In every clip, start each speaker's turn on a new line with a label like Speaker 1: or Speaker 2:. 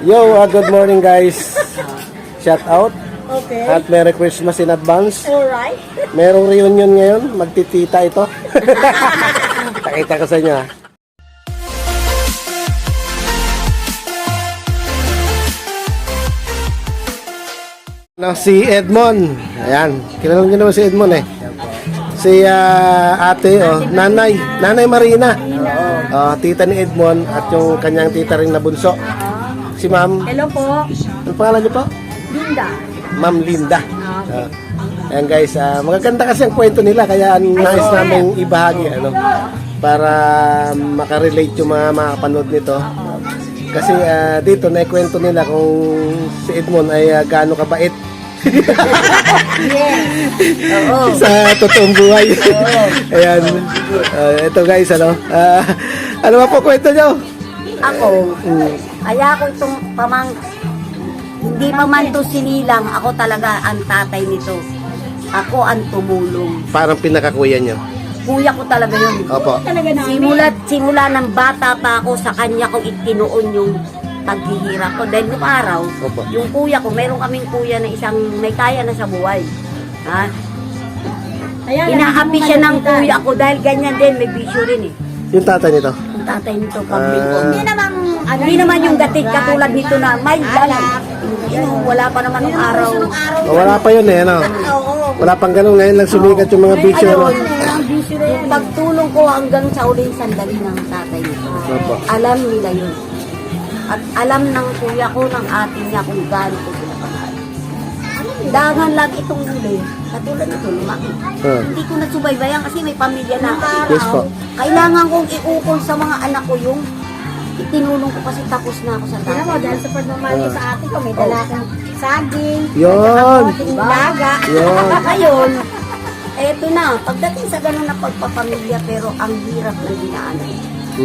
Speaker 1: Yo, good morning guys. Shout out.
Speaker 2: Okay.
Speaker 1: At Merry Christmas in advance.
Speaker 2: Alright.
Speaker 1: Merong reunion ngayon. Magtitita ito. Pakita ko sa inyo ha. Si Edmond. Ayan. Kilala niyo naman si Edmond eh. Si ate, nanay. Nanay Marina. Tita ni Edmond at yung kanyang tita rin na bunso. Si ma'am.
Speaker 2: Hello po.
Speaker 1: Ano pangalan niyo po?
Speaker 2: Linda.
Speaker 1: Ma'am Linda. Ayan guys, magaganda kasi ang kwento nila kaya nais namin ibahagi para makarelate yung mga makapanood nito. Kasi dito naikwento nila kung si Edmond ay gaano kabait.
Speaker 2: Oo.
Speaker 1: Sa totoong buhay. Ayan. Ito guys, ano ba po kwento nyo?
Speaker 2: Ako, kaya ako itong hindi pa man to sinilang, ako talaga ang tatay nito. Ako ang tumulong.
Speaker 1: Parang pinakakuya nyo.
Speaker 2: Kuya ko talaga yun.
Speaker 1: Opo.
Speaker 2: Simula ng bata pa ako, sa kanya ko itinoon yung paghihirap ko. Dahil nung araw,
Speaker 1: Opo.
Speaker 2: yung kuya ko, meron kaming kuya na isang may kaya na sa buhay. Ha? Inaapi siya ng kuya ko dahil ganyan din, may bisyo rin eh.
Speaker 1: Yung tatay nito.
Speaker 2: Yung tatay nito, public ko. Hindi naman yung gatig katulad nito na may lang. Wala pa naman ng araw.
Speaker 1: Wala pa yun eh, ano? Wala pang ganun. Ngayon lang sumikat yung mga bisyo.
Speaker 2: Ayun, yung pagtulong ko hanggang sa uling sandali ng tatay nito.
Speaker 1: Opo.
Speaker 2: Alam nila yun. At alam ng kuya ko, ng ate niya kung gaano ko sila panahal. Dahan lang itong huli. Katulad nito, lumaki. Hindi ko nasubaybayan kasi may pamilya na ako.
Speaker 1: Yes po.
Speaker 2: Kailangan kong iukol sa mga anak ko yung itinulong ko kasi tapos na ako sa tatay.
Speaker 3: Alam mo, dahil sa pagmamahal ko sa ate ko, may dala akong saging,
Speaker 1: Yun.
Speaker 3: daga.
Speaker 1: Yun.
Speaker 2: Ngayon, eto na, pagdating sa ganun na pagpapamilya, pero ang hirap ng dinaanan.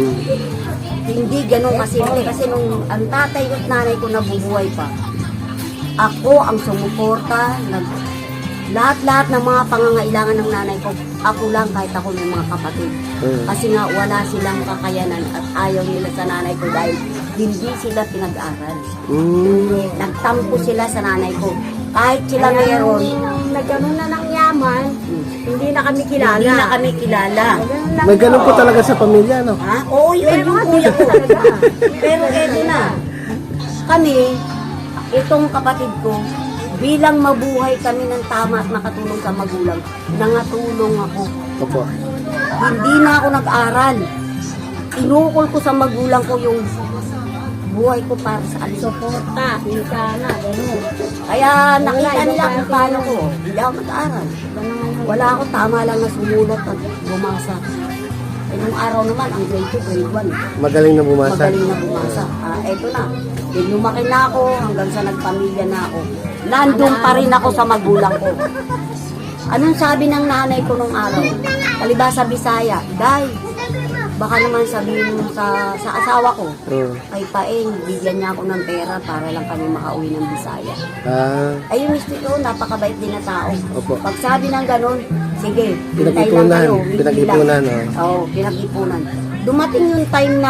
Speaker 2: Hindi ganun kasimple kasi nung ang tatay at nanay ko nabubuhay pa, ako ang sumuporta, lahat-lahat ng mga pangangailangan ng nanay ko, ako lang kahit ako may mga kapatid. Kasi nga wala silang kakayanan at ayaw nila sa nanay ko dahil hindi sila pinag-aral. Nagtampo sila sa nanay ko. Kahit sila mayroon,
Speaker 3: Nagkaroon na ng yaman, hindi na kami kilala.
Speaker 2: hindi na kami kilala.
Speaker 1: May ganun po talaga sa pamilya, no?
Speaker 2: Ha? Oo, yun yung kuya ko. Pero eto na, kami, itong kapatid ko, bilang mabuhay kami ng tama at makatulong sa magulang, nangatulong ako.
Speaker 1: Opo.
Speaker 2: Hindi na ako nag-aral. Inukol ko sa magulang ko yung buhay ko para sa alis.
Speaker 3: Suporta, hika na, gano'n.
Speaker 2: Kaya nakita nila kung paano ko. Hindi ako nag-aral. Wala ako, tama lang na sumulat at bumasa. Eh, nung araw naman, ang grade 2, grade 1.
Speaker 1: Magaling na bumasa.
Speaker 2: Magaling na bumasa. Eto na. Then lumaki na ako hanggang sa nagpamilya na ako. Nandun pa rin ako sa magulang ko. Anong sabi ng nanay ko nung araw? Palibasa Bisaya, Day, baka naman sabihin mo sa asawa ko, kay Paeng, bigyan niya ako ng pera para lang kami makauwi ng Bisaya. Ay, yung mister ko, napakabait din na tao.
Speaker 1: Opo.
Speaker 2: Pag sabi ng ganun, sige, hintay lang
Speaker 1: Pinag-ipunan.
Speaker 2: kayo. weekly
Speaker 1: Pinag-ipunan,
Speaker 2: lang. Oo, pinag-ipunan. Dumating yung time na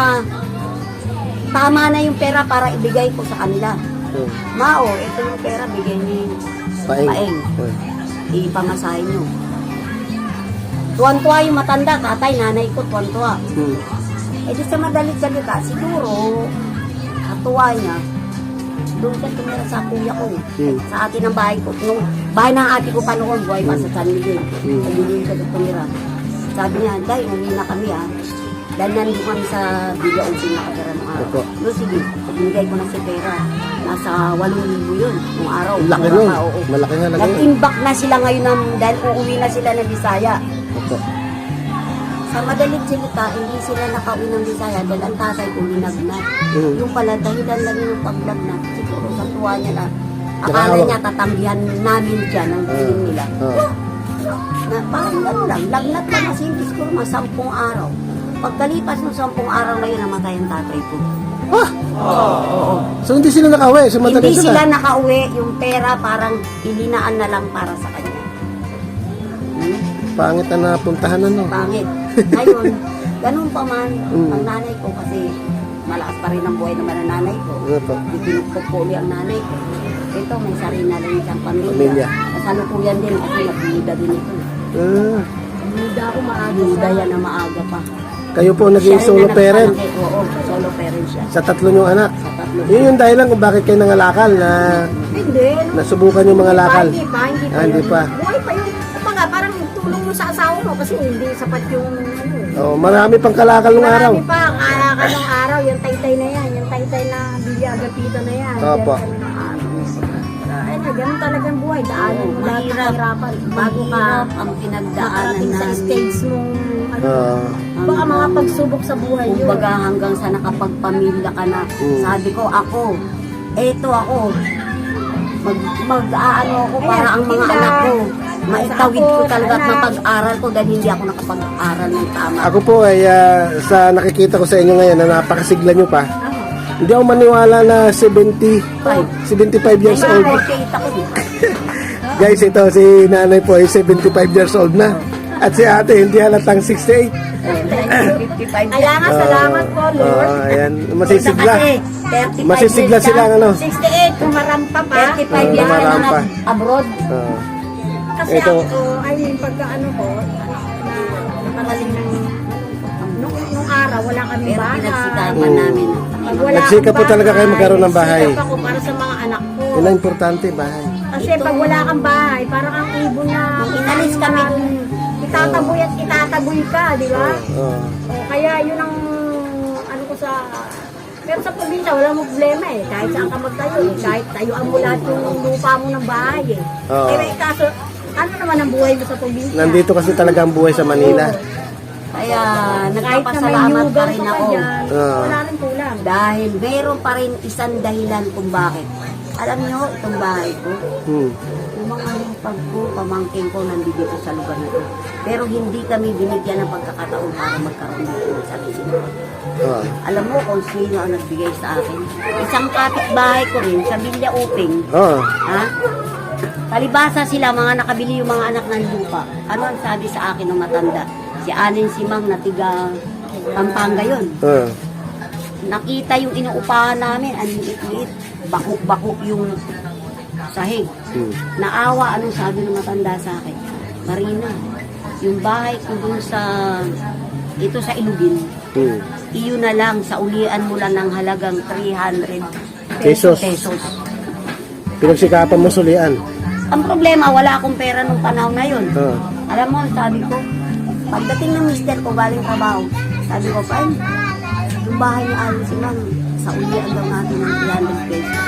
Speaker 2: tama na yung pera para ibigay ko sa kanila. Mao, ito yung pera, bigyan niyo yung Paeng. Ipamasahin nyo. Tuwan-tuwa yung matanda, tatay, nanay ko, tuwan-tuwa. Eh di sa madalit salita, siguro, katuwa niya, doon ka tumira sa kuya ko. Sa atin ang bahay ko. Nung bahay ng ate ko pa noon, buhay pa sa San Miguel. Doon ka tumira. Sabi niya, Day, umuwi na kami dahil nandun kami sa Villa Ubin nakatira ng araw. No, sige, binigay ko na si pera. Nasa 8,000 yun, nung araw.
Speaker 1: Laki
Speaker 2: Mura
Speaker 1: nun.
Speaker 2: pa, oo.
Speaker 1: Malaki nga laki.
Speaker 2: Nag-imbak na sila ngayon dahil uuwi na sila ng Bisaya.
Speaker 1: Opo.
Speaker 2: Sa madalit salita, hindi sila nakauwi ng Bisaya dahil ang tatay ko linagnat. Yung pala, dahilan lang yung paglagnat. Siguro sa tuwa niya na, akala niya tatanggihan namin siya ng giling nila. Na parang gano'n lang, lagnat lang kasi hindi siguro mga 10 araw. Pagkalipas ng 10 araw na yun, namatay ang tatay ko.
Speaker 1: So hindi sila nakauwi? So
Speaker 2: Hindi sila nakauwi, yung pera parang ilinaan na lang para sa kanya.
Speaker 1: Pangit na napuntahan, ano?
Speaker 2: Pangit. Ngayon, ganun pa man, ang nanay ko kasi malakas pa rin ang buhay naman ng nanay ko.
Speaker 1: Ano po?
Speaker 2: Itinugtog ang nanay ko. Ito, may sarili na rin siyang pamilya.
Speaker 1: Pamilya.
Speaker 2: Kasalukuyan din kasi nagbuda din ito.
Speaker 1: Ah,
Speaker 3: Hindi ako maaga.
Speaker 2: Buda yan na maaga pa.
Speaker 1: kayo po naging
Speaker 2: Siya rin
Speaker 1: solo
Speaker 2: na
Speaker 1: parent
Speaker 2: nagpalaki. Oo, solo parent siya.
Speaker 1: sa tatlo niyong anak.
Speaker 2: Sa tatlo.
Speaker 1: Yun yung dahilan kung bakit kayo nangalakal na
Speaker 3: Hindi.
Speaker 1: nasubukan yung mga lakal.
Speaker 3: Hindi pa.
Speaker 1: Ah, hindi pa.
Speaker 3: Buhay pa yun. Kumbaga, parang tulong mo sa asawa mo kasi hindi sapat yung
Speaker 1: Oh, marami pang kalakal nung araw.
Speaker 3: Marami pa. Kalakal ng araw. Yung taytay na yan. Yung taytay na bilyagapita na yan.
Speaker 1: Opo.
Speaker 3: Yan kami ng araw. Ay na, ganun talagang buhay. Daanan mo lahat ng
Speaker 2: Mahirap.
Speaker 3: kahirapan. Bago ka
Speaker 2: Mahirap ang pinagdaanan
Speaker 3: makarating sa
Speaker 2: namin.
Speaker 3: stage mong ano,
Speaker 1: Ah,
Speaker 3: baka mga pagsubok sa buhay yun.
Speaker 2: Kumbaga hanggang sa nakapagpamilya ka na. Sabi ko, ako, eto ako, mag-aano ako para ang mga
Speaker 3: tinda.
Speaker 2: anak ko. Maitawid ko talaga at
Speaker 3: anak.
Speaker 2: mapag-aral ko dahil hindi ako nakapag-aral ng tama.
Speaker 1: ako po ay sa nakikita ko sa inyo ngayon na napakasigla nyo pa. Hindi ako maniwala na 75 years old.
Speaker 2: Nakikita ko din.
Speaker 1: Guys, ito si nanay po ay 75 years old na. At si ate hindi halatang 68.
Speaker 2: 55
Speaker 3: Kaya nga, salamat po, Lord.
Speaker 1: Ayan, masisigla.
Speaker 2: Kasi 35
Speaker 1: Masisigla
Speaker 2: years
Speaker 1: sila
Speaker 2: ka,
Speaker 1: ano.
Speaker 3: 68, kumarampa pa.
Speaker 2: 35 years ka na
Speaker 1: Marampa.
Speaker 2: abroad.
Speaker 1: Ah,
Speaker 3: Kasi
Speaker 1: Ito.
Speaker 3: ako, I mean, pagka ano ko, na nakarating ng, nung araw, wala kami
Speaker 2: Pero
Speaker 3: bahay.
Speaker 2: pinagsikapan namin.
Speaker 3: Pag wala
Speaker 1: Nagsikap
Speaker 3: akong
Speaker 1: po talaga kayo magkaroon ng bahay.
Speaker 3: nagsikap ako para sa mga anak ko.
Speaker 1: yun ang importante, bahay.
Speaker 3: Kasi pag wala kang bahay, parang ang ibon na
Speaker 2: Nung inalis kami dun,
Speaker 3: itataboy at itataboy ka, di ba?
Speaker 1: Oh.
Speaker 3: O, kaya yun ang ano ko sa... Pero sa probinsya, walang problema eh. Kahit saan ka magtayo eh. Kahit tayuan mo lahat yung lupa mo ng bahay eh.
Speaker 1: Oo.
Speaker 3: Pero kaso, ano naman ang buhay mo sa probinsya?
Speaker 1: Nandito kasi talaga ang buhay sa Manila.
Speaker 2: kaya
Speaker 3: Kahit na may
Speaker 2: nagpapasalamat pa
Speaker 3: yugan
Speaker 2: rin
Speaker 3: pa
Speaker 2: ako.
Speaker 3: dyan,
Speaker 1: Oo.
Speaker 3: wala rin kulang.
Speaker 2: Dahil meron pa rin isang dahilan kung bakit. Alam niyo, itong bahay ko,
Speaker 1: Hmm.
Speaker 2: yung mga lipag ko, pamangkin ko, nandito sa lugar na ito. Pero hindi kami binigyan ng pagkakataon para magkaroon ng sarili.
Speaker 1: Oh.
Speaker 2: Alam mo kung sino ang nagbigay sa akin? Isang kapitbahay ko rin sa Villa Uping.
Speaker 1: Oh.
Speaker 2: Ha? Palibasa sila, mga nakabili yung mga anak ng lupa. Ano ang sabi sa akin ng matanda? Si Alin Simang na tiga Pampanga yun.
Speaker 1: Oh.
Speaker 2: Nakita yung inuupahan namin, ang liit-liit, bakok-bakok yung sahig.
Speaker 1: Hmm.
Speaker 2: Naawa, anong sabi ng matanda sa akin? Marina, yung bahay ko dun sa, ito sa Ilugin,
Speaker 1: Hmm.
Speaker 2: iyon na lang, sa ulian mo lang ng halagang 300
Speaker 1: Pesos.
Speaker 2: pesos.
Speaker 1: Pinagsikapan mo sulian.
Speaker 2: Ang problema, wala akong pera nung panahon na yun.
Speaker 1: Oh.
Speaker 2: Alam mo, sabi ko, pagdating ng mister ko, galing trabaho, sabi ko, Pan, yung bahay ni Alin Simang, sa ulian daw natin ng 300 pesos.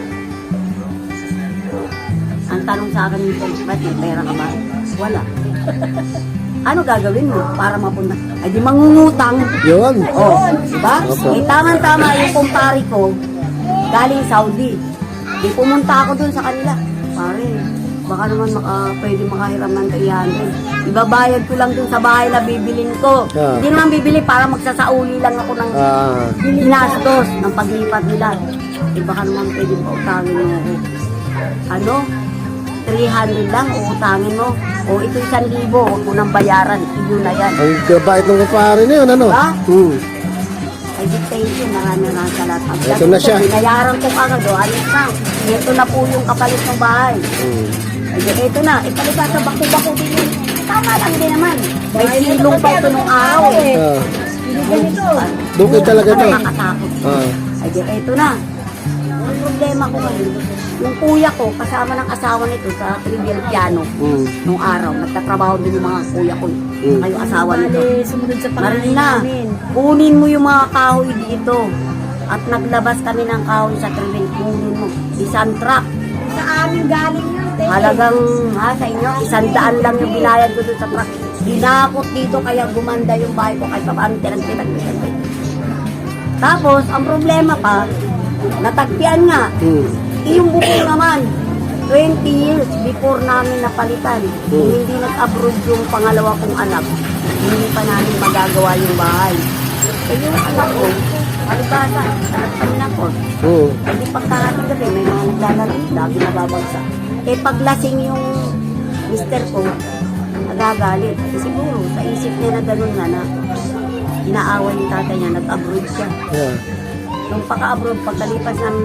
Speaker 2: Ang tanong sa akin nito, ba't may pera ka ba? Wala. Ano gagawin mo para mapunta? Ay di mangungutang.
Speaker 1: Yun.
Speaker 2: Oh, diba?
Speaker 1: Opo.
Speaker 2: Eh, tama-tama yung kumpare ko, galing Saudi. Di pumunta ako dun sa kanila. Pare, baka naman pwede makahiram ng 300. Ibabayad ko lang dun sa bahay na bibilin ko.
Speaker 1: Ah.
Speaker 2: Hindi naman bibili para magsasauli lang ako ng
Speaker 1: Ah.
Speaker 2: ginastos ng paglipat nila. Eh baka naman pwede pautangin mo ako. Ano? 300 lang, uutangin mo. O ito 1,000, huwag mo nang bayaran. Iyo na yan.
Speaker 1: Ang gabait ng kapare na yun, ano?
Speaker 2: Diba?
Speaker 1: Hmm.
Speaker 2: Ay, di thank you. Maraming salamat.
Speaker 1: Ito na siya.
Speaker 2: Binayaran ko agad. O, alis na. Ito na po yung kapalit ng bahay.
Speaker 1: Hmm.
Speaker 2: Ay, di, ito na. Ipalita sa bako-bako din yun. Tama lang din naman. May silong pa ito nung araw eh.
Speaker 1: Ah.
Speaker 3: Ganito.
Speaker 1: Bukid talaga to.
Speaker 2: Nakakatakot.
Speaker 1: Ah.
Speaker 2: Ay, di, ito na. Ang problema ko ngayon, yung kuya ko, kasama ng asawa nito sa Trivial Piano,
Speaker 1: Hmm.
Speaker 2: nung araw, nagtatrabaho din yung mga kuya ko. Kayo asawa nito.
Speaker 3: Bali, sumunod sa pangalan
Speaker 2: Marina,
Speaker 3: namin.
Speaker 2: kunin mo yung mga kahoy dito. At naglabas kami ng kahoy sa Trivial, kunin mo. Isang truck.
Speaker 3: Sa amin galing yun. te.
Speaker 2: Halagang, sa inyo, 100 lang yung binayad ko doon sa truck. Dinakot dito, kaya gumanda yung bahay ko, kahit paano tinag-tinag. Tapos, ang problema pa, natagpian nga.
Speaker 1: Hmm.
Speaker 2: Yung bukong naman, 20 years before namin napalitan. Kung hindi nag-abroad yung pangalawa kong anak, hindi pa namin magagawa yung bahay. Eh yung anak ko, alibasa, anak pa rin ako.
Speaker 1: Hmm.
Speaker 2: Hindi pagkakating gabi, may mga naglalaro, lagi nababagsak. Eh paglasing yung mister ko, nagagalit. Eh, siguro, sa isip niya na gano'n nga na, inaaway yung tatay niya, nag-abroad siya.
Speaker 1: Yeah.
Speaker 2: Nung paka-abroad, pagkalipas ng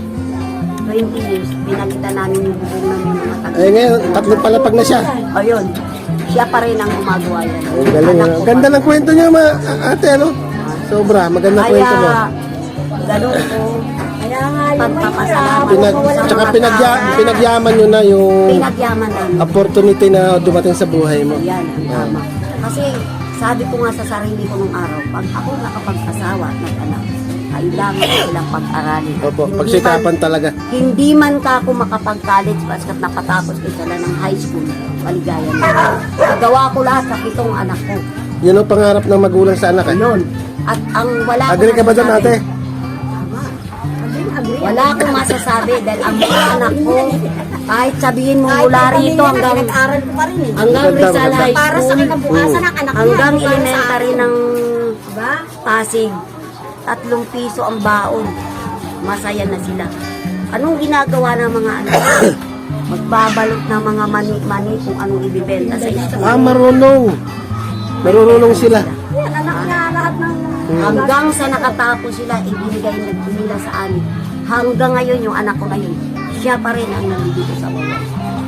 Speaker 2: 20 years, pinakita namin yung bubong namin ng mga taga.
Speaker 1: Eh ngayon, tatlong palapag na siya.
Speaker 2: Ayun, siya pa rin ang gumagawa yan.
Speaker 1: Ang galing.
Speaker 2: Anak ko.
Speaker 1: Ganda ng kwento niya, ate, ano? Sobra, magandang kwento mo.
Speaker 2: Kaya, ganun po,
Speaker 3: Kaya nga yung
Speaker 2: pagpapasalamat.
Speaker 1: Tsaka pinagyaman nyo na yung
Speaker 2: Pinagyaman namin.
Speaker 1: opportunity na dumating sa buhay mo.
Speaker 2: Yan, ang tama. Kasi sabi ko nga sa sarili ko nung araw, pag ako nakapag-asawa at nag-anak, kailangan ko silang pag-aralin.
Speaker 1: Opo, pagsikapan talaga.
Speaker 2: Hindi man ka ako makapag-college baskat napatapos ko sila ng high school, maligaya na. Nagawa ko lahat sa 7 anak ko.
Speaker 1: Yun ang pangarap ng magulang sa anak. Eh.
Speaker 2: Yun. At ang wala
Speaker 1: Agree ka ba dyan, ate?
Speaker 2: Tama.
Speaker 3: agree.
Speaker 2: Wala akong masasabi dahil ang mga anak ko, kahit sabihin mo mula rito hanggang
Speaker 3: Nag-aral ko pa rin eh.
Speaker 2: hanggang
Speaker 1: Maganda,
Speaker 2: Rizal
Speaker 1: maganda.
Speaker 2: High
Speaker 3: Para sa
Speaker 2: School,
Speaker 3: kinabukasan ng anak niya.
Speaker 2: hanggang
Speaker 3: para sa
Speaker 2: elementary
Speaker 3: akin.
Speaker 2: ng
Speaker 3: Diba?
Speaker 2: Pasig, 3 piso ang baon. Masaya na sila. Anong ginagawa ng mga anak ko? Magbabalot ng mga mani-mani kung anong ibibenta sa isang.
Speaker 1: Marunong. Marunong sila.
Speaker 3: Yan, anak niya lahat ng...
Speaker 2: Hanggang sa nakatapos sila, ibinigay nila sa amin. Hanggang ngayon, yung anak ko ngayon, siya pa rin ang nandito sa buhay.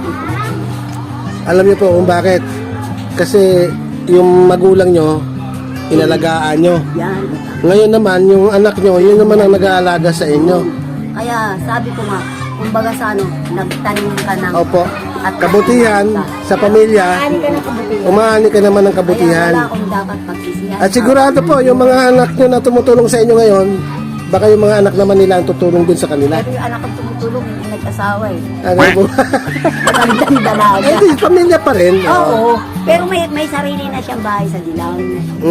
Speaker 1: Alam niyo po kung bakit. Kasi yung magulang nyo, inalagaan nyo.
Speaker 2: Yan.
Speaker 1: Ngayon naman, yung anak nyo, yun naman ang nag-aalaga sa inyo.
Speaker 2: Kaya sabi ko nga, kumbaga sa ano, nagtanim ka ng...
Speaker 1: Opo.
Speaker 2: at
Speaker 1: Kabutihan sa pamilya,
Speaker 3: Ani ka ng kabutihan.
Speaker 1: umaani ka naman ng
Speaker 2: Kaya
Speaker 1: kabutihan.
Speaker 2: wala akong dapat pagsisihan.
Speaker 1: At sigurado po, yung mga anak nyo na tumutulong sa inyo ngayon, baka yung mga anak naman nila ang tutulong din sa kanila.
Speaker 2: Pero yung anak ko tumutulong, hindi nag-asawa eh.
Speaker 1: Ano po?
Speaker 2: Magandang dalaga.
Speaker 1: Ay, di, pamilya pa rin.
Speaker 2: Oo. Pero may sarili na siyang bahay sa Dilaw.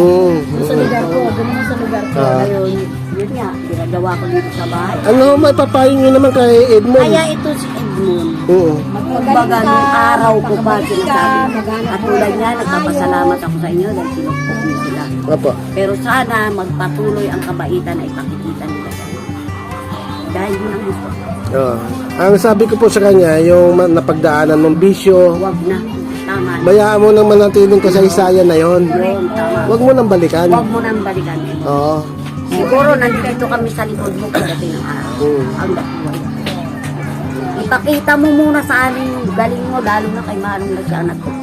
Speaker 3: Sa lugar ko, ganun sa lugar ko.
Speaker 2: Ngayon, yun nga, ginagawa ko dito sa bahay.
Speaker 1: Ano, may papayo nyo naman kay Edmond?
Speaker 2: Kaya ito si Edmund.
Speaker 1: Oo.
Speaker 2: Kumbaga, nung araw ko pa sinasabi. At tulad niya, nagpapasalamat ako sa inyo dahil sinupok niyo sila.
Speaker 1: Opo.
Speaker 2: Pero sana magpatuloy ang kabaitan na ipakikita nila sa inyo. Dahil yun ang gusto ko.
Speaker 1: Oo. Ang sabi ko po sa kanya, yung napagdaanan ng bisyo,
Speaker 2: Huwag na. Tama.
Speaker 1: bayaan mo nang manatiling kasaysayan na yon.
Speaker 2: Yun, tama.
Speaker 1: Huwag mo nang balikan.
Speaker 2: Huwag mo nang balikan.
Speaker 1: Oo.
Speaker 2: Siguro nandito kami sa likod mo pagdating ng araw. Hanggang buhay. Ipakita mo muna sa amin yung galing mo, lalo na kay Manong nagsanat ko.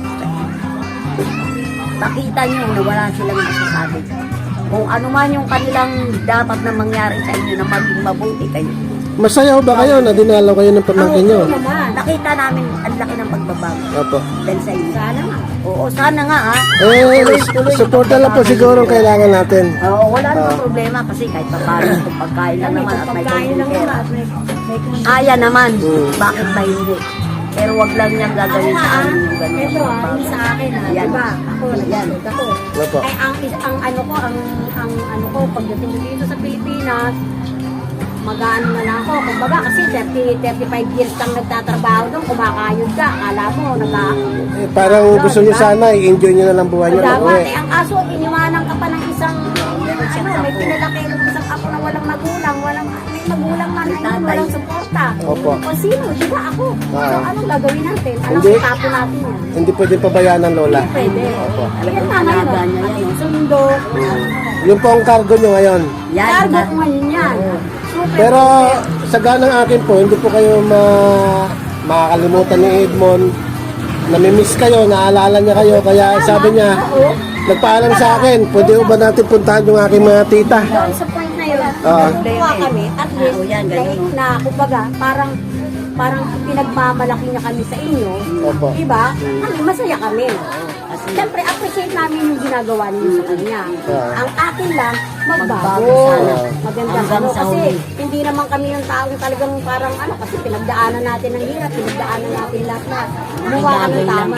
Speaker 2: Pakita niyo na wala silang masasabi. Kung ano man yung kanilang dapat na mangyari sa inyo na maging mabuti kayo.
Speaker 1: Masaya ba kayo na dinalaw kayo ng pamangkin nyo?
Speaker 2: Nakita namin ang laki ng pagbabago
Speaker 1: Opo.
Speaker 2: dahil sa inyo.
Speaker 3: Sana nga.
Speaker 2: Oo, sana nga ha.
Speaker 1: Suporta lang po siguro ang kailangan natin.
Speaker 2: Oo, wala namang problema kasi kahit papalo kung pagkain lang naman at may
Speaker 3: Pagkain lang
Speaker 2: pera.
Speaker 3: naman at may
Speaker 2: Kaya naman, bakit ba hindi? Pero wag lang niyang gagawin sa amin yung ganun.
Speaker 3: Ito yung sa akin
Speaker 2: Yan.
Speaker 3: diba? Ako, nagsasagot ako.
Speaker 1: Opo.
Speaker 3: Ay, ang ano ko, ang ano ko, pagdating ko dito sa Pilipinas, mag-ano na lang ako. Kumbaga, kasi 35 years kang nagtatrabaho doon, kumakayod ka. Akala mo,
Speaker 1: Eh, parang gusto nyo sana, i-enjoy nyo na lang buhay nyo.
Speaker 3: dapat,
Speaker 1: Uwi.
Speaker 3: ang kaso, iniwanan ka pa ng isang, may pinalaki ng isang apo na walang magulang, may magulang man, ayun, walang suporta.
Speaker 1: Opo.
Speaker 3: O sino, di ba ako? So, anong gagawin natin? Anong
Speaker 1: Hindi.
Speaker 3: itapo natin yan?
Speaker 1: Hindi pwede pabayaan ng lola.
Speaker 3: Pwede.
Speaker 1: Opo.
Speaker 3: Ayan na ngayon.
Speaker 2: Alaga niya yan.
Speaker 3: Sundo.
Speaker 1: Yun po ang cargo nyo ngayon.
Speaker 2: Yan,
Speaker 3: Cargo
Speaker 2: na.
Speaker 3: ko ngayon yan. Super.
Speaker 1: Pero sa ganang akin po, hindi po kayo makakalimutan ni Edmond. Namimiss kayo, naalala niya kayo. Kaya sabi niya, nagpaalam sa akin, pwede ba natin puntahan yung aking mga tita?
Speaker 3: Doon sa point na yun,
Speaker 1: Oo.
Speaker 3: natutuwa kami. At least,
Speaker 2: Oo, yan, ganyan.
Speaker 3: kahit na, kumbaga, parang pinagmamalaki niya kami sa inyo.
Speaker 1: Opo.
Speaker 3: Diba? Kami, masaya kami. Siyempre, appreciate namin yung ginagawa ninyo sa kanya. Ang akin lang, magbago.
Speaker 2: Magbago sana.
Speaker 3: Maganda
Speaker 2: Hanggang
Speaker 3: ano,
Speaker 2: sa
Speaker 3: kasi
Speaker 2: huli.
Speaker 3: hindi naman kami yung taong talagang parang ano, kasi pinagdaanan natin ng hirap, pinagdaanan natin lahat na gumawa kami
Speaker 2: Bagay lang.
Speaker 3: tama.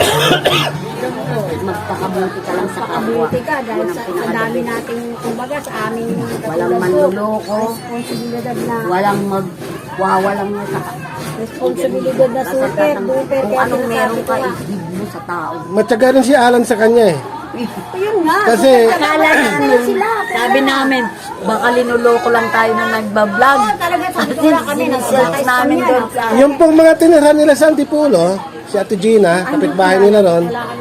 Speaker 2: Magpakabuti ka lang sa kapwa.
Speaker 3: Pakabuti ka dahil
Speaker 2: Yun ang
Speaker 3: sa
Speaker 2: pinakadali.
Speaker 3: dami nating, kumbaga, sa aming
Speaker 2: Walang
Speaker 3: katulad ko,
Speaker 2: manluloko.
Speaker 3: responsibilidad na
Speaker 2: Walang magwawalang mo sa
Speaker 3: responsibilidad na super, duper.
Speaker 2: Kung anong meron ka, i-give mo sa tao.
Speaker 1: Matyaga rin si Alan sa kanya eh.
Speaker 3: Ayun nga.
Speaker 1: Kasi,
Speaker 2: Akala namin, sabi namin, baka linuloko lang tayo na nagbablog.
Speaker 3: Talaga sabi ko wala kami,
Speaker 2: Sinesearch namin doon sa...
Speaker 1: yung pong mga tinira nila sa Antipulo, si Ate Gina, kapitbahay nila ron,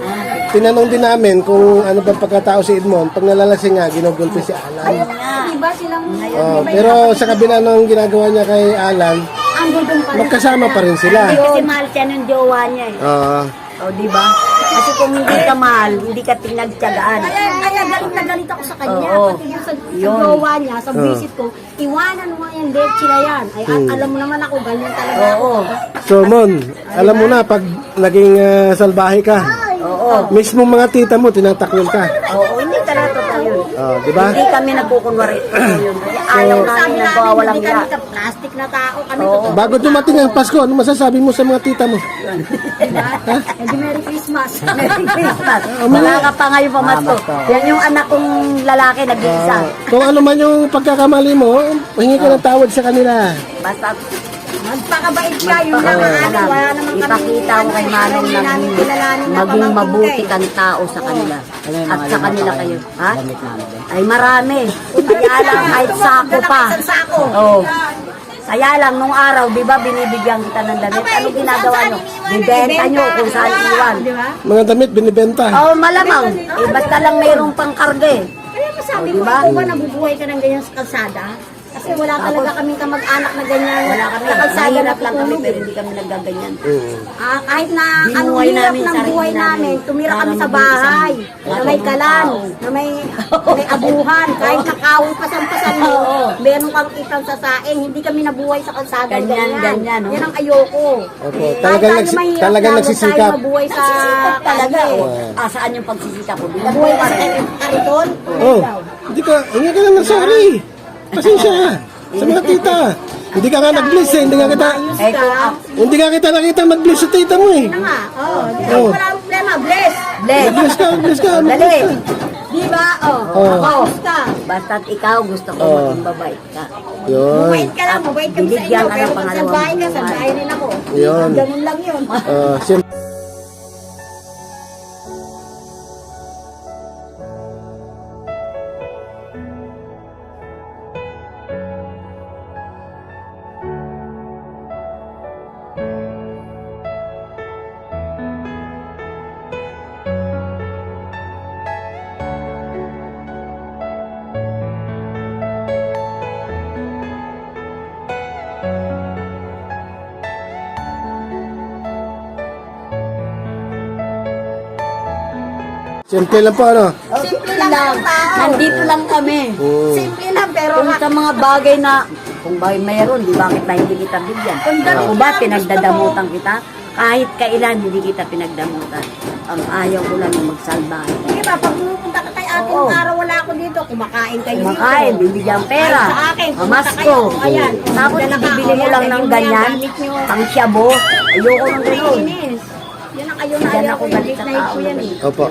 Speaker 1: tinanong din namin kung ano ba pagkatao si Edmond. Pag nalalasing nga, ginugulpi si Alan.
Speaker 2: Ayun nga.
Speaker 3: Diba silang
Speaker 1: Oh, pero sa kabila ng ginagawa niya kay Alan,
Speaker 3: ang gulong pa rin.
Speaker 1: magkasama pa rin sila.
Speaker 2: Kasi mahal siya ng jowa niya eh.
Speaker 1: Oo.
Speaker 2: O, di ba? Kasi kung hindi ka mahal, hindi ka pinagtyagaan.
Speaker 3: Kaya galit na galit ako sa kanya.
Speaker 2: Oo.
Speaker 3: Pati yung sa
Speaker 2: Yun.
Speaker 3: jowa niya, sa visit ko, iwanan mo nga yan, leche na yan. Ay, alam mo naman ako, ganyan talaga ako.
Speaker 2: Oo.
Speaker 1: So, Mon, alam mo na, pag naging salbahe ka,
Speaker 2: Oo.
Speaker 1: mismo mga tita mo, tinatakwil ka.
Speaker 2: Oo, hindi talaga totoo yun.
Speaker 1: Oh, di ba?
Speaker 2: Hindi kami nagkukunwari. Totoo yun. Kasi ayaw namin
Speaker 3: Sabi namin,
Speaker 2: nagwawalang
Speaker 3: hindi
Speaker 2: ya.
Speaker 3: kami ka plastic na tao. Kami
Speaker 2: Oo.
Speaker 3: totoo.
Speaker 1: Bago dumating ang Pasko, ano masasabi mo sa mga tita mo?
Speaker 3: Diba? Hindi Merry Christmas.
Speaker 2: Merry Christmas. Wala ka pa ngayon pamasko. Yan yung anak kong lalaki nag-iisa.
Speaker 1: Kung ano man yung pagkakamali mo, hingi ka ng tawad sa kanila.
Speaker 2: Basta
Speaker 3: Magpakabait ka, yun lang ang ano. Wala naman kami.
Speaker 2: ipakita mo kay Manong na
Speaker 3: namin kilalanin na
Speaker 2: maging
Speaker 3: pamangkin
Speaker 2: mabuti
Speaker 3: ka eh.
Speaker 2: kang tao sa kanila. At sa kanila kayo. Ha? Ay marami. Kaya lang kahit sako pa.
Speaker 3: Isang sako.
Speaker 2: Oo. Kaya lang, nung araw, di ba, binibigyan kita ng damit. Ano ginagawa nyo? Bibenta nyo kung saan iwan.
Speaker 3: Di ba?
Speaker 1: Mga damit, binibenta.
Speaker 2: Oo, malamang. Eh, basta lang mayroong pang karga eh.
Speaker 3: Kaya masabi
Speaker 2: O,
Speaker 3: mo,
Speaker 2: diba?
Speaker 3: ikaw ba nabubuhay ka ng ganyan sa kalsada? Kasi wala talaga kaming kamag-anak na ganyan.
Speaker 2: Wala kami.
Speaker 3: Sa kalsada
Speaker 2: Mahirap lang kami,
Speaker 3: natutulog
Speaker 2: pero
Speaker 3: eh.
Speaker 2: hindi kami naggaganyan.
Speaker 3: Kahit na anong
Speaker 2: Binuhay
Speaker 3: hirap
Speaker 2: namin
Speaker 3: ng
Speaker 2: sarili
Speaker 3: buhay namin,
Speaker 2: namin.
Speaker 3: tumira
Speaker 2: Para
Speaker 3: kami sa
Speaker 2: maging
Speaker 3: bahay,
Speaker 2: isang
Speaker 3: na may kalan,
Speaker 2: tao.
Speaker 3: na may abuhan, kahit nakawang pasan-pasan mo,
Speaker 2: Oo.
Speaker 3: meron kang kitang sasaing, hindi kami nabuhay sa kalsada.
Speaker 2: Ganyan, no?
Speaker 3: Yan ang ayoko.
Speaker 1: Opo,
Speaker 3: Kahit
Speaker 1: talagang
Speaker 3: tayo
Speaker 1: nagsi-
Speaker 3: mahirap
Speaker 1: talagang
Speaker 3: lang, huwag
Speaker 1: nagsisikap.
Speaker 3: tayo mabuhay sa
Speaker 2: Nagsisikap talaga.
Speaker 3: eh.
Speaker 2: Oh. Saan yung pagsisikap ko?
Speaker 3: Mabuhay ka sa kariton.
Speaker 1: Oh, hindi ka, hingi ka lang ng sorry. Pasensya sa mga tita. Hindi ka nga nag-bless eh, hindi nga kita,
Speaker 2: Eh, kung ako,
Speaker 1: hindi nga kita nakita mag-bless sa tita mo eh.
Speaker 3: Ano nga?
Speaker 1: Oh.
Speaker 3: Wala problema, bless.
Speaker 2: bless.
Speaker 1: Mag-bless ka, mag-bless ka.
Speaker 2: Dali.
Speaker 1: mag-bless ka.
Speaker 3: Di ba?
Speaker 1: Oh.
Speaker 3: Ako, ka.
Speaker 2: Basta't ikaw gusto ko
Speaker 1: Oh.
Speaker 2: maging babait ka.
Speaker 1: Yun.
Speaker 3: Mabait ka lang, mabait kami sa
Speaker 2: Binigyan
Speaker 3: inyo.
Speaker 2: ka ng
Speaker 3: Pero pag
Speaker 2: pangalawang
Speaker 3: salbahe ka,
Speaker 2: buhay.
Speaker 3: salbahe rin ako.
Speaker 1: Yun.
Speaker 3: Ganun lang yun.
Speaker 1: Siyempre. Simple lang po ano.
Speaker 3: Simple lang ang tao.
Speaker 2: Nandito lang kami.
Speaker 3: Simple lang, pero
Speaker 2: Kung sa mga bagay na, kung bagay mayroon, di bakit na hindi kita bigyan? Ako ba, pinagdadamutan kita? Kahit kailan, hindi kita pinagdamutan. Ang ayaw ko lang yung magsalbahe.
Speaker 3: Di ba, pag pumunta ka kay ate,
Speaker 2: Oo.
Speaker 3: nung araw wala ako dito, kumakain kayo
Speaker 2: Kumakain,
Speaker 3: dito.
Speaker 2: bibigyan pera.
Speaker 3: Ay, sa akin, pumunta
Speaker 2: Mamasko.
Speaker 3: kayo. Ayan.
Speaker 2: Tapos
Speaker 3: Dala ka,
Speaker 2: ibibili mo
Speaker 3: ayan,
Speaker 2: lang ng
Speaker 3: ganyan,
Speaker 2: ganyan.
Speaker 3: gamit nyo.
Speaker 2: Pang syabo. Ayoko ng ganun.
Speaker 3: Inis. Yan ang kayo na
Speaker 2: Diyan
Speaker 3: ayaw
Speaker 2: ako
Speaker 3: ko,
Speaker 2: galit
Speaker 3: yung
Speaker 2: sa
Speaker 3: night
Speaker 2: tao
Speaker 3: ko yan
Speaker 2: na
Speaker 3: eh.
Speaker 1: Opo.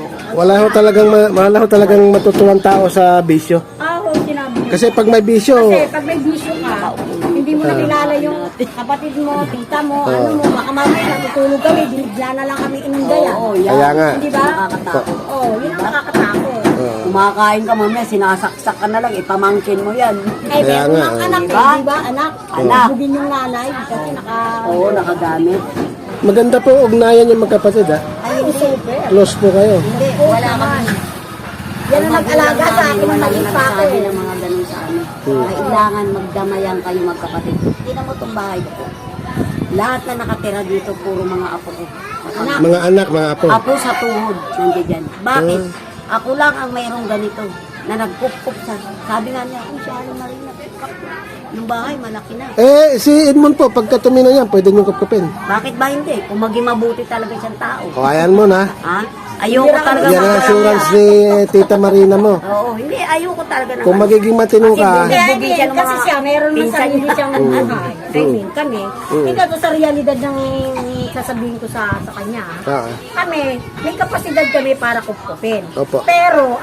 Speaker 1: Wala ho talagang matutuwang tao sa bisyo.
Speaker 3: Oo, sinabi niya.
Speaker 1: Kasi pag may bisyo,
Speaker 3: Kasi pag may bisyo ka, hindi mo nakilala yung kapatid mo, tita mo, ano mo, baka mamaya natutulog kami, binigla na lang kami inundayan.
Speaker 2: Oo, yan.
Speaker 1: kaya nga.
Speaker 3: Hindi ba?
Speaker 2: Nakakatakot.
Speaker 3: Oo, yun ang nakakatakot.
Speaker 2: Kumakain ka mamaya, sinasaksak ka na lang, ipamangkin mo yan.
Speaker 3: Eh,
Speaker 1: Kaya
Speaker 3: meron
Speaker 1: nga,
Speaker 3: ng anak,
Speaker 2: diba?
Speaker 3: di ba? Anak.
Speaker 2: Anak.
Speaker 3: Bugin yung nanay kasi
Speaker 2: Oo, nakagamit.
Speaker 1: maganda po ugnayan yung magkapatid ha.
Speaker 3: Ayun, super.
Speaker 1: Close po kayo.
Speaker 2: Hindi, wala kami.
Speaker 3: Yan ang nag-alaga sa akin ng
Speaker 2: Wala
Speaker 3: maliit pa ako.
Speaker 2: nagsabi ng mga ganun sa amin. Kailangan magdamayan kayo magkapatid. Tingnan mo itong bahay ko. Lahat na nakatira dito, puro mga apo ko.
Speaker 3: Anak.
Speaker 1: Mga anak, mga apo.
Speaker 2: Apo sa tuhod, nandiyan dyan. Bakit? Ako lang ang mayroong ganito na nagkukup sa... Sabi nga niya, si Alan Marina, yung bahay malaki na.
Speaker 1: Eh, si Edmond po, pagka tumino niya, pwede niyong kapkapin.
Speaker 2: Bakit ba hindi? Kung maging mabuti talaga siyang tao.
Speaker 1: O, ayan mo na.
Speaker 2: Ha? Ayoko talaga.
Speaker 1: Yan ang assurance ni Tita Marina mo.
Speaker 2: Oo, hindi. Ayoko talaga na.
Speaker 1: Kung magiging matino ka,
Speaker 3: Kaya
Speaker 2: Bigyan siya ng
Speaker 3: kasi
Speaker 2: mga
Speaker 3: siya, meron man
Speaker 2: pinsan
Speaker 3: sarili
Speaker 2: niya.
Speaker 3: siyang buhay. I mean, kami, hindi to sa realidad ng sasabihin ko sa kanya.
Speaker 1: ah,
Speaker 3: Kami, may kapasidad kami para kupkupin.
Speaker 1: Opo.
Speaker 3: Pero,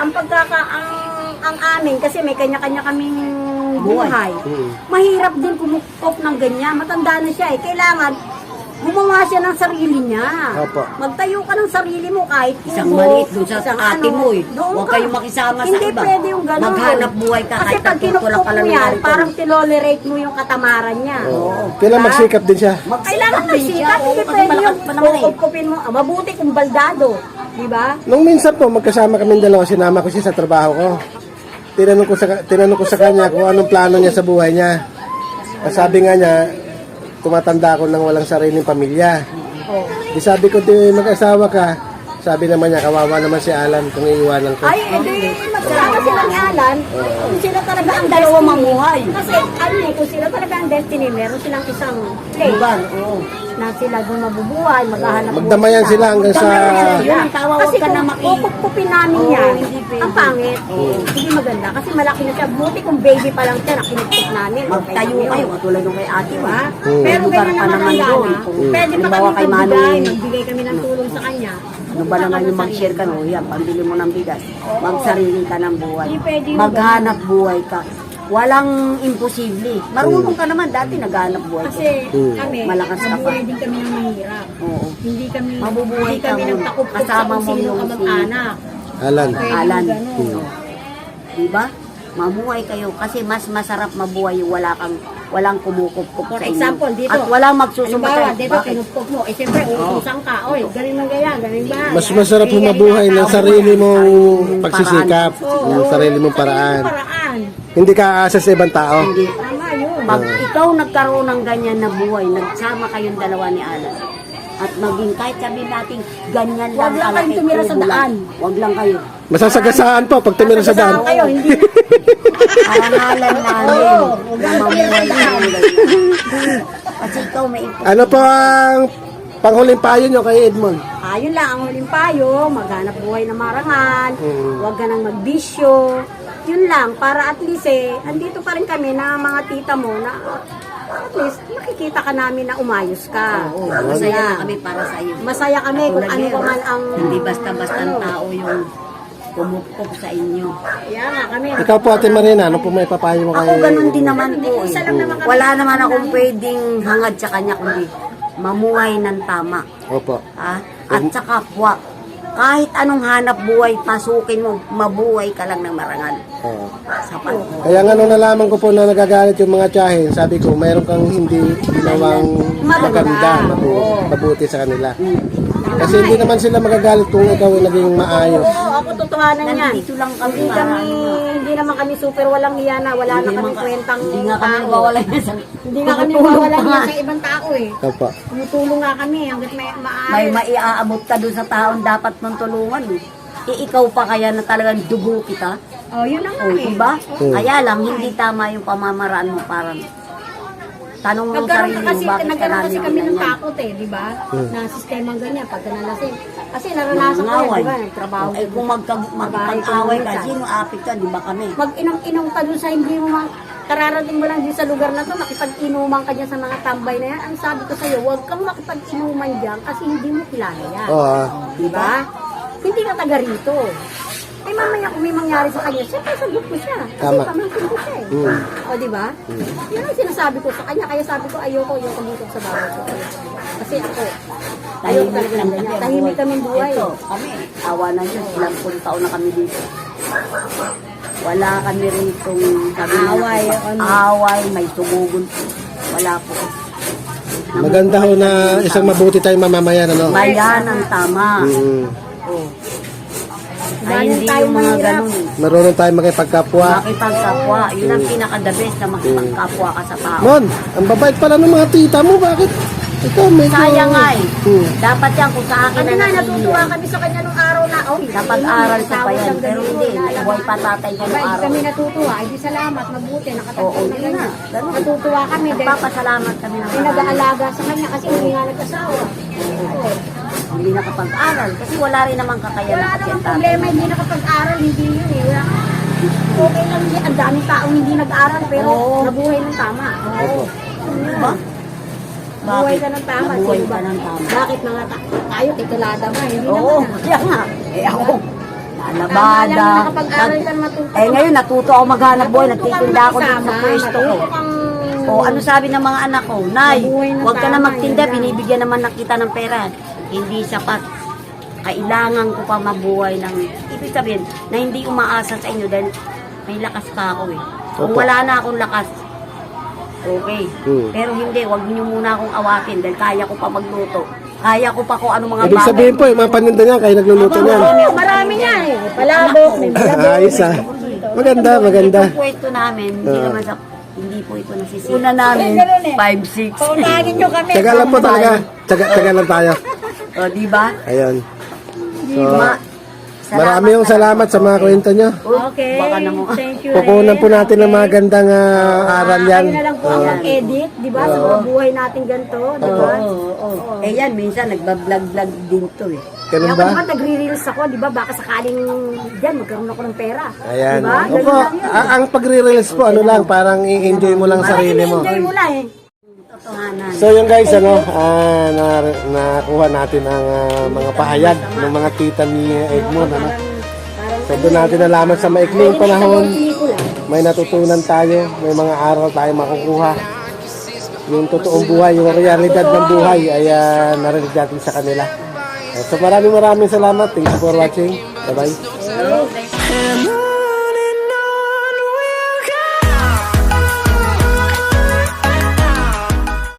Speaker 3: ang amin, kasi may kanya-kanya kaming buhay, mahirap din kumukop ng ganyan. Matanda na siya eh. Kailangan, gumawa siya ng sarili niya.
Speaker 1: Opo.
Speaker 3: Magtayo ka ng sarili mo kahit
Speaker 2: Isang
Speaker 3: kubo,
Speaker 2: maliit dun sa
Speaker 3: isang
Speaker 2: ate mo eh.
Speaker 3: doon
Speaker 2: Huwag
Speaker 3: ka.
Speaker 2: kayong makisama sa
Speaker 3: Hindi
Speaker 2: iba.
Speaker 3: pwede yung gano'n.
Speaker 2: Maghanap buhay ka
Speaker 3: Kasi
Speaker 2: kahit
Speaker 3: pag
Speaker 2: natutulak
Speaker 3: kinukop
Speaker 2: ka
Speaker 3: mo
Speaker 2: lang ng
Speaker 3: yan,
Speaker 2: ganito.
Speaker 3: parang tinolerate mo yung katamaran niya.
Speaker 1: kailan magsikap din siya.
Speaker 3: Kailangan
Speaker 2: din siya.
Speaker 3: magsikat, hindi
Speaker 2: Oo, kasi
Speaker 3: pwede
Speaker 2: malakas
Speaker 3: yung
Speaker 2: pa naman eh.
Speaker 3: kukupin mo. Mabuti kung baldado. Di ba?
Speaker 1: Nung minsan po, magkasama kami dalawa, sinama ko siya sa trabaho ko. Tinanong ko sa kanya kung anong plano niya sa buhay niya. Sabi nga niya, tumatanda ako nang walang sariling pamilya.
Speaker 3: Oh.
Speaker 1: Di sabi ko, di mag-asawa ka. Sabi naman niya, kawawa naman si Alan kung iiwanan ko.
Speaker 3: Ay, edi, magsama sila ni Alan. Kung sila talaga ang
Speaker 2: Dalawa
Speaker 3: destiny.
Speaker 2: mamuhay.
Speaker 3: Kasi, ano eh, kung sila talaga ang destiny, meron silang isang place
Speaker 2: Lugar, oo.
Speaker 3: na sila doon mabubuhay, maghahanap buhay
Speaker 1: Magdamayan sila hanggang sa...
Speaker 2: Yun ang tawa,
Speaker 3: Kasi
Speaker 2: huwag ka
Speaker 3: kung
Speaker 2: na maki...
Speaker 3: pupupin namin
Speaker 2: Oo,
Speaker 3: yan,
Speaker 2: hindi pwede.
Speaker 3: ang pangit. Hindi maganda. Kasi malaki na siya. Buti kung baby pa lang siya, nakinipit namin.
Speaker 2: Magtayo kayo, katulad nung kay ate,
Speaker 3: Diba?
Speaker 2: ha?
Speaker 3: Pero
Speaker 2: Lugar
Speaker 3: ganyan
Speaker 2: pa
Speaker 3: naman
Speaker 2: naman
Speaker 3: ang
Speaker 2: doon.
Speaker 3: gana. Pwede pa
Speaker 2: Halimbawa
Speaker 3: kami
Speaker 2: kay
Speaker 3: magbigay,
Speaker 2: Manong,
Speaker 3: magbigay kami ng tulong sa kanya.
Speaker 2: ano ba naman yung mag-share ka, no? Yan, pambili mo ng bigas. Magsarili ka ng buhay.
Speaker 3: Hindi pwede yung
Speaker 2: Maghanap buhay ka. Walang imposible. Marunong ka naman, dati naghanap buhay ka.
Speaker 3: Kasi kami,
Speaker 2: Malakas ka pa.
Speaker 3: mabuhay din kami ng mahirap.
Speaker 2: Oo.
Speaker 3: Hindi kami,
Speaker 2: Mabubuhay
Speaker 3: hindi kami
Speaker 2: ka
Speaker 3: nang
Speaker 2: mo.
Speaker 3: takupok sa
Speaker 2: Kasama
Speaker 3: kung
Speaker 2: mo
Speaker 3: sino
Speaker 2: yung
Speaker 3: kamag-anak.
Speaker 1: Alan.
Speaker 3: Pwede
Speaker 2: Alan.
Speaker 3: ganun.
Speaker 2: Diba? Mamuhay kayo kasi mas masarap mabuhay yung walang kumukupkup
Speaker 3: For
Speaker 2: sa inyo.
Speaker 3: example, dito.
Speaker 2: At walang magsusumbatan.
Speaker 3: Halimbawa, dito,
Speaker 2: Bakit?
Speaker 3: kinupkop mo. Eh, siyempre, uutusan ka. Oy, galing ng gaya, galing ba?
Speaker 1: Mas masarap humabuhay ng sarili mong pagsisikap,
Speaker 3: Oo.
Speaker 1: ng sarili mong paraan.
Speaker 3: Sarili mong paraan.
Speaker 1: Hindi ka aasa sa ibang tao.
Speaker 2: Hindi.
Speaker 3: Tama yun.
Speaker 2: Pag ikaw nagkaroon ng ganyan na buhay, nagsama kayong dalawa ni Alan, at maging kahit sabihin natin ganyan lang
Speaker 3: Huwag lang kayong
Speaker 2: kalaki,
Speaker 3: tumira sa
Speaker 2: tubo lang.
Speaker 3: daan.
Speaker 2: Huwag lang kayo.
Speaker 1: Masasagasaan po pag tumira sa daan.
Speaker 3: Saan kayo? Hindi.
Speaker 2: Arangalan namin
Speaker 3: Oo,
Speaker 2: na
Speaker 3: huwag lang tumira sa
Speaker 2: mamuhay
Speaker 3: daan.
Speaker 2: ng ganyan. Kasi ikaw may
Speaker 1: Ano po ang panghuling payo nyo kay Edmond?
Speaker 3: Ayun lang, ang huling payo, maghanap buhay na marangal,
Speaker 1: Mm.
Speaker 3: huwag ka nang magbisyo. Yun lang, para at least andito pa rin kami na mga tita mo na at least makikita ka namin na umayos ka.
Speaker 2: Oo, masaya na kami para sa iyo.
Speaker 3: Masaya kami kung ano pa man ang...
Speaker 2: Hindi basta-basta ang tao yung kumupkop sa inyo.
Speaker 3: Kaya nga kami.
Speaker 1: Ikaw po, Ate Marina, ano po may papayo mo kay...
Speaker 2: Ako ganun din naman po.
Speaker 3: Isa lang naman kami.
Speaker 2: Wala naman akong pwedeng hangad sa kanya kundi mamuhay ng tama.
Speaker 1: Opo.
Speaker 2: Ha? At sa kapwa, kahit anong hanap buhay, pasukin mo, mabuhay ka lang ng marangal.
Speaker 1: Oo.
Speaker 2: Sapat.
Speaker 1: Kaya nga nung nalaman ko po na nagagalit yung mga tiyahin, sabi ko, mayroon kang hindi ginawang maganda, mabuti sa kanila. Kasi hindi naman sila magagalit kung ikaw ay naging maayos.
Speaker 3: Oo, ako totohanan yan.
Speaker 2: Nandito lang kami
Speaker 3: Hindi
Speaker 2: para
Speaker 3: kami, hindi naman kami super walang hiya na, wala na kami kwentang
Speaker 2: Hindi nga kami
Speaker 3: tao.
Speaker 2: mawala yan sa...
Speaker 3: Hindi nga kami
Speaker 2: Tumutulong
Speaker 3: mawala
Speaker 2: pa
Speaker 3: hiya
Speaker 2: nga.
Speaker 3: sa ibang tao eh.
Speaker 1: Opo.
Speaker 3: Tumutulong nga kami hanggat may
Speaker 2: May
Speaker 3: maayos.
Speaker 2: maiaabot ka doon sa taon dapat mong tulungan. Ikaw pa kaya na talagang dugo kita.
Speaker 3: Oh, yun na nga
Speaker 2: O,
Speaker 3: eh.
Speaker 2: diba?
Speaker 1: Hmm.
Speaker 2: Kaya lang, hindi tama yung pamamaraan mo parang tanong mo sarili mo, bakit ka
Speaker 3: Nagkaroon kasi
Speaker 2: namin
Speaker 3: kami ng
Speaker 2: ganyan?
Speaker 3: takot eh, di ba?
Speaker 1: Hmm.
Speaker 3: Na sistemang ganyan, pagka nalasing. Kasi naranasan ko yun, di ba? Trabaho.
Speaker 2: Eh kung magkag-away ka, sino apit ka, di ba kami?
Speaker 3: Mag-inom-inom ka dun sa hindi mo kararating mo lang din sa lugar na to, makipag-inuman ka dyan sa mga tambay na yan. Ang sabi ko sa'yo, huwag kang makipag-inuman dyan kasi hindi mo kilala yan.
Speaker 1: Oo.
Speaker 3: Di ba? Hindi ka taga rito. Eh mamaya kung may mangyari sa kanya, siyempre sagot ko siya. Kasi
Speaker 1: Tama.
Speaker 3: pamangkin ko siya eh.
Speaker 1: Mm.
Speaker 3: O di ba? Yan ang sinasabi ko sa kanya. Kaya sabi ko, ayoko dito sa bahay ko. Kasi ako, ayoko
Speaker 2: Tahimik
Speaker 3: talaga
Speaker 2: lang
Speaker 3: ganyan.
Speaker 2: kami.
Speaker 3: Tahimik kami buhay.
Speaker 2: Ito, kami, awa na Diyos, ilang pun taon na kami dito. Wala kami rin itong sabi na
Speaker 3: Away,
Speaker 2: away, may tumugon. Wala po.
Speaker 1: Maganda ho na isang mabuti tayong mamamayan, ano?
Speaker 2: Bayan ang tama.
Speaker 1: Mm.
Speaker 2: Oh.
Speaker 3: Dahil
Speaker 2: Ay, hindi
Speaker 3: tayo
Speaker 2: yung mga
Speaker 3: mahirap.
Speaker 2: ganun.
Speaker 1: Marunong tayong makipagkapwa.
Speaker 2: Makipagkapwa, yun ang pinaka-the best na makipagkapwa ka sa tao.
Speaker 1: Mon, ang babait pala ng mga tita mo, bakit? Ikaw, medyo...
Speaker 2: Sayang nga eh.
Speaker 1: Hmm.
Speaker 2: Dapat yan kung sa akin
Speaker 3: Kami
Speaker 2: na
Speaker 3: nga, natutuwa
Speaker 2: nakikinig.
Speaker 3: kami sa kanya nung araw na, oh,
Speaker 2: Napag-aral ka pa yan, pero hindi. Buhay pa tatay ka nung araw.
Speaker 3: Kami natutuwa. Ay, di salamat, mabuti, nakatagpo
Speaker 2: Oo,
Speaker 3: na
Speaker 2: yun
Speaker 3: ganyan.
Speaker 2: nga. Ganun.
Speaker 3: Natutuwa kami dahil
Speaker 2: Nagpapasalamat kami ng
Speaker 3: may
Speaker 2: marami.
Speaker 3: nag-aalaga sa kanya kasi hindi nga nag-asawa. Oo.
Speaker 2: Hindi nakapag-aral. Kasi wala rin naman kakayanan
Speaker 3: Wala
Speaker 2: kasi
Speaker 3: namang
Speaker 2: ang tatay.
Speaker 3: problema, hindi nakapag-aral, hindi yun eh. Wala. Okay lang yun. Ang daming taong hindi nag-aral pero
Speaker 2: Oo.
Speaker 3: nabuhay ng tama. Oo.
Speaker 2: Diba?
Speaker 3: Buhay ka ng tama.
Speaker 2: Nabuhay
Speaker 3: Sino
Speaker 2: ka
Speaker 3: ba?
Speaker 2: ng tama.
Speaker 3: Bakit mga tayo, titulada ba? Hindi
Speaker 2: Oo,
Speaker 3: naman.
Speaker 2: kaya nga. Eh ako,
Speaker 3: Tama
Speaker 2: lalabada.
Speaker 3: lang, nakapag-aral ka na matuto.
Speaker 2: Eh ngayon, natuto ako maghanap buhay. Nagtitinda ako dito sa pwesto ko.
Speaker 3: Matuto kang...
Speaker 2: O ano sabi ng mga anak ko? Nay,
Speaker 3: Mabuhay ng
Speaker 2: huwag ka na
Speaker 3: tama,
Speaker 2: magtinda.
Speaker 3: yun lang.
Speaker 2: Binibigyan naman na kita ng pera. Hindi sapat. Kailangan ko pa mabuhay ng... Ibig sabihin, na hindi umaasa sa inyo dahil may lakas pa ako eh. Kung
Speaker 1: Opo.
Speaker 2: wala na akong lakas, okay.
Speaker 1: Hmm.
Speaker 2: Pero hindi, huwag niyo muna akong awatin dahil kaya ko pa magluto. Kaya ko pa kung ano mga
Speaker 1: Ibig sabihin po, yung mga paninda niya, kayo nagluluto niyan.
Speaker 3: Marami nga eh. May palabok, may malabok.
Speaker 1: Ayos ah. Maganda, maganda.
Speaker 2: Itong kwento namin, hindi po ito nasisira. Una namin, 5-6.
Speaker 3: Paunagin nyo kami.
Speaker 1: Tsaga lang po talaga. Tsaga lang tayo.
Speaker 2: O, di ba?
Speaker 1: Ayun. So,
Speaker 2: Salamat
Speaker 1: marami yung salamat sa mga kwento nyo.
Speaker 3: Okay.
Speaker 2: Baka naman.
Speaker 3: Thank you.
Speaker 1: Pupunan po natin ng mga gandang aral yan.
Speaker 3: Kayo na lang po ang mag-edit, di ba? Sa mga buhay natin ganito, di ba?
Speaker 2: Oo. Eh yan, minsan nagbablog-vlog din to eh.
Speaker 1: Ganun
Speaker 3: Kaya
Speaker 1: ba?
Speaker 3: kung nagre-reels ako, di ba? Baka sakaling dyan, magkaroon ako ng pera.
Speaker 1: Ayan.
Speaker 3: Di ba?
Speaker 1: Opo, ang pagre-reels po, ano lang, parang i-enjoy mo lang sarili mo.
Speaker 3: Enjoy mo lang eh.
Speaker 2: Totohanan.
Speaker 1: So yung guys, nakuha natin ang mga pahayag ng mga tita ni Edmond. So doon natin nalaman sa maikling panahon, may natutunan tayo, may mga aral tayo makukuha. Yung totoong buhay, yung realidad ng buhay ay narinig natin sa kanila. So maraming salamat. Thank you for watching. Bye-bye.
Speaker 2: Hello,